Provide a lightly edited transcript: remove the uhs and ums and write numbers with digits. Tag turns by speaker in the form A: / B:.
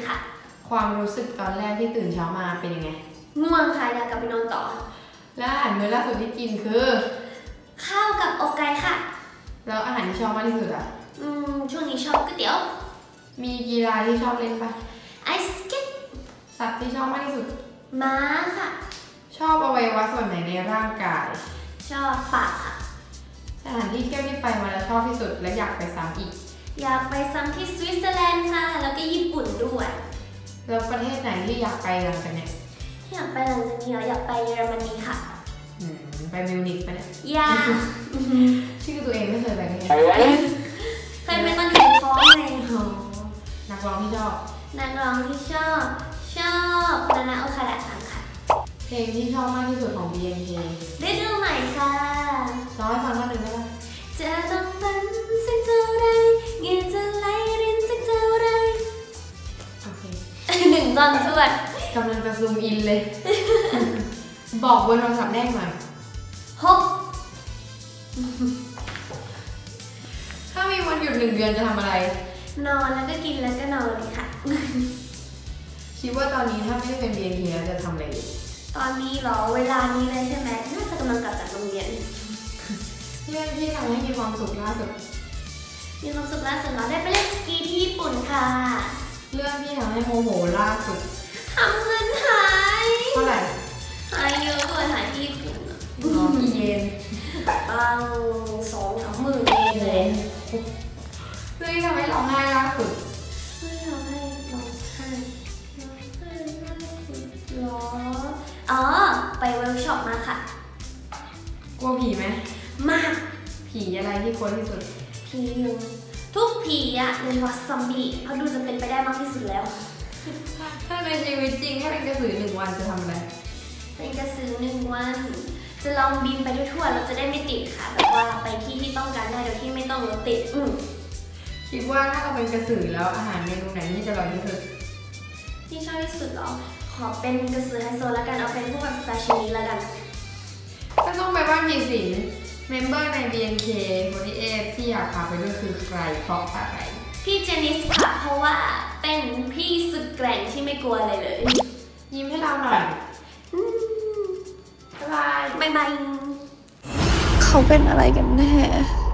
A: ค่ะ
B: ความรู้สึกตอนแรกที่ตื่นเช้ามาเป็นยังไง
A: ง่วงค่ะอยากกลับไปนอนต่อ
B: แล้วอาหารมื้อล่าสุดที่กินคือ
A: ข้าวกับอกไก่ค่ะ
B: แล้วอาหารที่ชอบมากที่สุดอ่ะ
A: ช่วงนี้ชอบก๋วยเตี๋ยว
B: มีกีฬาที่ชอบเล่นปะ
A: ไอสเก็ต
B: สัตว์ที่ชอบมากที่สุด
A: ม้าค่ะ
B: ชอบอวัยวะส่วนไหนในร่างกาย
A: ชอบปากค่ะ
B: สถานที่เที่ยวที่ไปมาแล้วชอบที่สุดและอยากไปซ้ำอีก
A: อยากไปซ้ำที่สวิตเซอร์แลนด์ค่ะแล้วก็ญี่ปุ่นด้วย
B: แล้วประเทศไหนที่อยากไปหลังจากเนี้ย
A: ที่อยากไปหลังจากนี้อยากไปเยอรมนีค่ะ
B: ไปมิวนิกปะเนี่ย
A: อยาก
B: ชื่อตัวเองไม่เคยไปกันเลย
A: เคยไปตอนอยู่ท้องไง
B: นักร้องที่ชอบ
A: นานาโอคาดะซังค่ะ
B: เพลงที่ชอบมากที่สุดของ BNK
A: ได้ดูใหม่ค่ะ
B: ร้องให้ฟังท่อนหนึ่งได้ไหม
A: จะต้องฝันสักเท่าไรเงียจะไหลรินสักเท่าไร
B: โอเค
A: 1 ตอนทวด
B: กำลังจะซูมอินเลยบอกบนโทรศัพท์แน่หน่อยถ้ามีวันหยุด1 เดือนจะทำอะไร
A: นอนแล้วก็กินแล้วก็นอนเลยค่ะ
B: คิดว่าตอนนี้ถ้าไม่ได้เป็น BNK แล้วจะทำอะไรอยู่
A: ตอนนี้เหรอเวลานี้เลยใช่ไหมน่าจะกำลังกลับจากโรงเรียน
B: เรื่องที่ทำให้มีความสุขล่าสุด
A: เราได้ไปเล่นสกีที่ญี่ปุ่นค่ะ
B: เรื่องที่ทำให้โมโหล่าสุด
A: ทำเงินหาย
B: เท่าไหร่
A: หายเยอะเลยหายที่ญี่ปุ่น
B: กี่เยน
A: 2-3 หมื่นเยนเลย
B: เรื่องที่ทำให้ร้องไห้ล่าสุด
A: ไปเวิร์กช็อปมาค่ะ
B: กลัวผีไหม
A: มาก
B: ผีอะไรที่กลัวที่สุด
A: ผีทุกผีอะโดยเฉพาะซอมบี้เพราะดูจะเป็นไปได้มากที่สุดแล้ว
B: ถ้าในชีวิตจริงให้เป็นกระสือ1 วันจะทำอะไร
A: เป็นกระสือ1 วันจะลองบินไปทั่วๆเราจะได้ไม่ติดค่ะแบบว่าไปที่ต้องการได้โดยที่ไม่ต้องรถติด
B: คิดว่าถ้าเราเป็นกระสือแล้วอาหารเมนูไหนที่จะอร่อยที่สุด
A: ที่ชอบที่สุดหรอขอเป็นกระสือไฮโซแล้วกันเอาเป็นพวกแบบซาชิมิแล้วกัน
B: ถ้าต้องไปบ้านผีสิงเมมเบอร์ใน BNK48 ที่อยากพาไปด้วยคือใครเพราะอะไร
A: พี่เจนิสค่ะเพราะว่าเป็นพี่สุดแกร่งที่ไม่กลัวอะไรเลย
B: ยิ้มให้เราหน่อยบ๊ายบาย
A: เขาเป็นอะไรกันแน่